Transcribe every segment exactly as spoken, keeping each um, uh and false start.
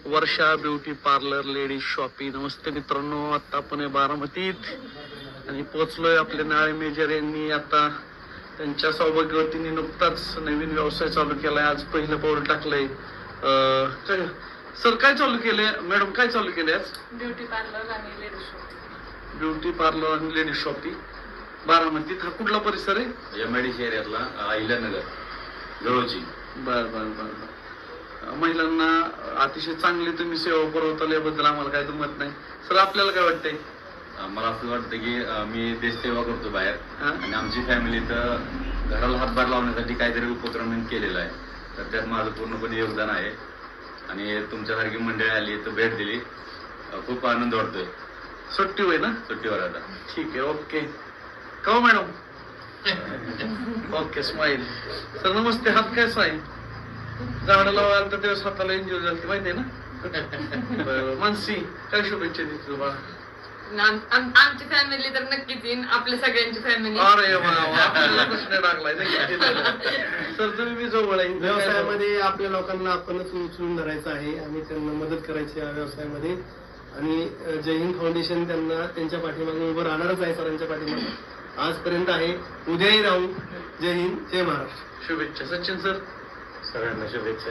वर्षा beauty parlour ladies shoppy. नमस्ते मित्रांनो, आता आपण आहे बारामतीत आणि पोहोचलोय. आपले नाळे मेजर यांनी आता त्यांच्या सौभाग्यवतीने नुकताच नवीन व्यवसाय चालू केलाय. आज पहिलं पाऊल टाकलंय. सर काय चालू केलंय मॅडम, काय चालू केलंय आज? ब्युटी पार्लर आणि लेडीज शॉपी. ब्युटी पार्लर आणि लेडीज शॉपी बारामतीत. हा कुठला परिसर आहे? एमआयडीसी एरियातला अहिल्यानगर जवळची. बर बर बर महिलांना अतिशय चांगली तुम्ही सेवा पुरवता याबद्दल आम्हाला काय दुमत नाही. सर आपल्याला काय वाटतंय? मला असं वाटतं की मी देशसेवा करतो बाहेर आणि आमची फॅमिली तर घराला हातभार लावण्यासाठी काहीतरी उपक्रम केलेला आहे, तर त्यात माझं पूर्णपणे योगदान आहे. आणि तुमच्यासारखी मंडळी आली तर भेट दिली, खूप आनंद वाटतोय. सुट्टी होय ना? सुट्टीवर आता. ठीक आहे, ओके. का मॅडम? Okay, smile. सर नमस्ते. हात कसा आहे? झाडं लावायला तर तेव्हा स्वतःला एन्जॉय झाली माहिती आहे ना? बरं मानसी, काय शुभेच्छा देते तुला? आमची फॅमिली तर नक्कीच येईन, आपल्या सगळ्यांची फॅमिली. अरे आपल्याला प्रश्न टाकलाय. सर तुम्ही मी जवळ आहे. व्यवसायामध्ये आपल्या लोकांना आपणच उचलून धरायचं आहे आणि त्यांना मदत करायची या व्यवसायामध्ये. आणि जय हिंद फाउंडेशन त्यांना त्यांच्या पाठीमागे उभं राहणारच आहे, सरांच्या पाठीमागे आजपर्यंत आहे, उद्याही राहू. जय हिंद, जय महाराष्ट्र. शुभेच्छा. सचिन सर सगळ्यांना शुभेच्छा.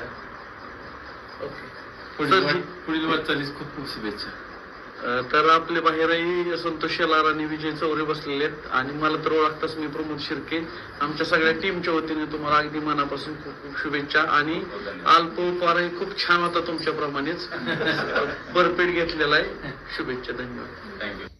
ओके, पुढील वाटचालीस खूप खूप शुभेच्छा. तर आपले बाहेरही संतोष शेलार आणि विजय चौरे बसलेले आहेत. आणि मला तर ओळखताच मी प्रमोद शिर्के. आमच्या सगळ्या टीमच्या वतीने तुम्हाला अगदी मनापासून खूप खूप शुभेच्छा. आणि अल्प उपहारही खूप छान होता तुमच्याप्रमाणेच भरपेट घेतलेला आहे. शुभेच्छा. धन्यवाद. थँक्यू.